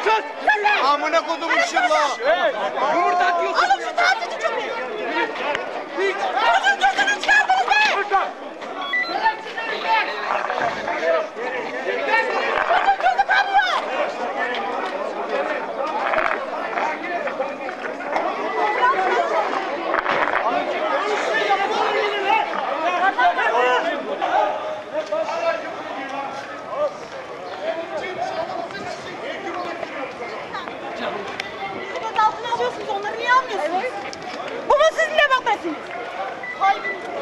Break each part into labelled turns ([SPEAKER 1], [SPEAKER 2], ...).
[SPEAKER 1] Amına kodumun şırla.
[SPEAKER 2] Yumurta atıyorsun.
[SPEAKER 3] Alın şu tatilci köpeği. Çocuğun gözünü çıkardınız be. Çocuğun gözü kanıyor. Gözaltına alıyorsunuz, onları niye almıyorsunuz? Bu mu sizin demokrasiniz? Hayır.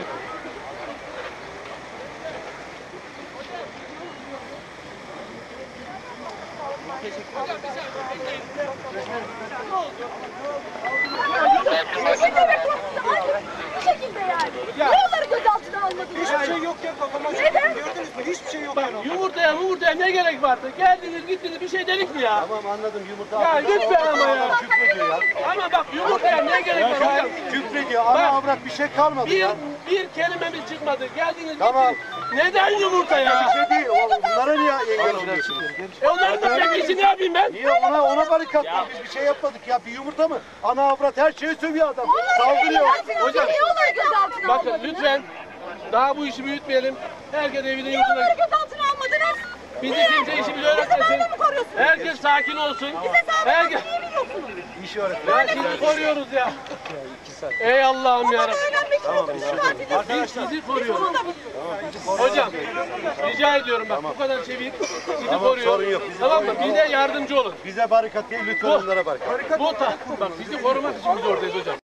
[SPEAKER 3] Bu şekilde yani. Niye onları gözaltına almadınız?
[SPEAKER 2] Hiçbir şey yok ya kafama.
[SPEAKER 3] Neden?
[SPEAKER 2] Gördünüz mü? Hiçbir şey yok. Yumurtaya ne gerek vardı? Geldiniz gittiniz bir şey dedik mi ya?
[SPEAKER 1] Tamam anladım yumurta.
[SPEAKER 2] Ya lütfen ama ya.
[SPEAKER 1] Küfrediyor ya.
[SPEAKER 2] Ama bak yumurtaya ne gerek var hocam?
[SPEAKER 1] Küfrediyor. Ana avrat bir şey kalmadı ya.
[SPEAKER 2] Bir kelimemiz çıkmadı. Geldiniz
[SPEAKER 1] Tamam.
[SPEAKER 2] gittiniz. Neden yumurta ya?
[SPEAKER 1] Bir şey değil. Bunlara niye engel oluyorsunuz?
[SPEAKER 2] Onların da tepkisi ne yapayım ben?
[SPEAKER 1] Niye ona barikat var? Biz bir şey yapmadık ya. Bir yumurta mı? Ana avrat her şeyi sövüyor adam. Saldırıyor.
[SPEAKER 2] Hocam.
[SPEAKER 3] Niye onları gözaltına
[SPEAKER 2] Bakın
[SPEAKER 3] almadınız?
[SPEAKER 2] lütfen daha bu işi büyütmeyelim. Herkes evine
[SPEAKER 3] Niye
[SPEAKER 2] yurduna.
[SPEAKER 3] onları gözaltına almadınız?
[SPEAKER 2] Bizi
[SPEAKER 3] Niye?
[SPEAKER 2] kimse işimizi
[SPEAKER 3] Bizi
[SPEAKER 2] öğretmesin.
[SPEAKER 3] böyle mi koruyorsunuz?
[SPEAKER 2] Herkes sakin olsun.
[SPEAKER 3] Bize
[SPEAKER 2] Herkes.
[SPEAKER 3] sağlıklı niye biliyorsunuz?
[SPEAKER 1] İşi öğretmen.
[SPEAKER 2] Ya sizi koruyoruz ya. Ey Allah'ım
[SPEAKER 3] Ama
[SPEAKER 2] yarabbim.
[SPEAKER 3] öğrenmek için tatilde
[SPEAKER 2] Biz sizi koruyoruz.
[SPEAKER 3] bunu da biliyoruz.
[SPEAKER 2] Hocam rica ediyorum bak bu kadar çevik sizi
[SPEAKER 1] Tamam,
[SPEAKER 2] koruyor.
[SPEAKER 1] sorun yok.
[SPEAKER 2] Tamam mı? Bize yardımcı olun.
[SPEAKER 1] Bize barikat değil lütfen onlara barikat.
[SPEAKER 2] Bak bizi korumak için biz oradayız hocam.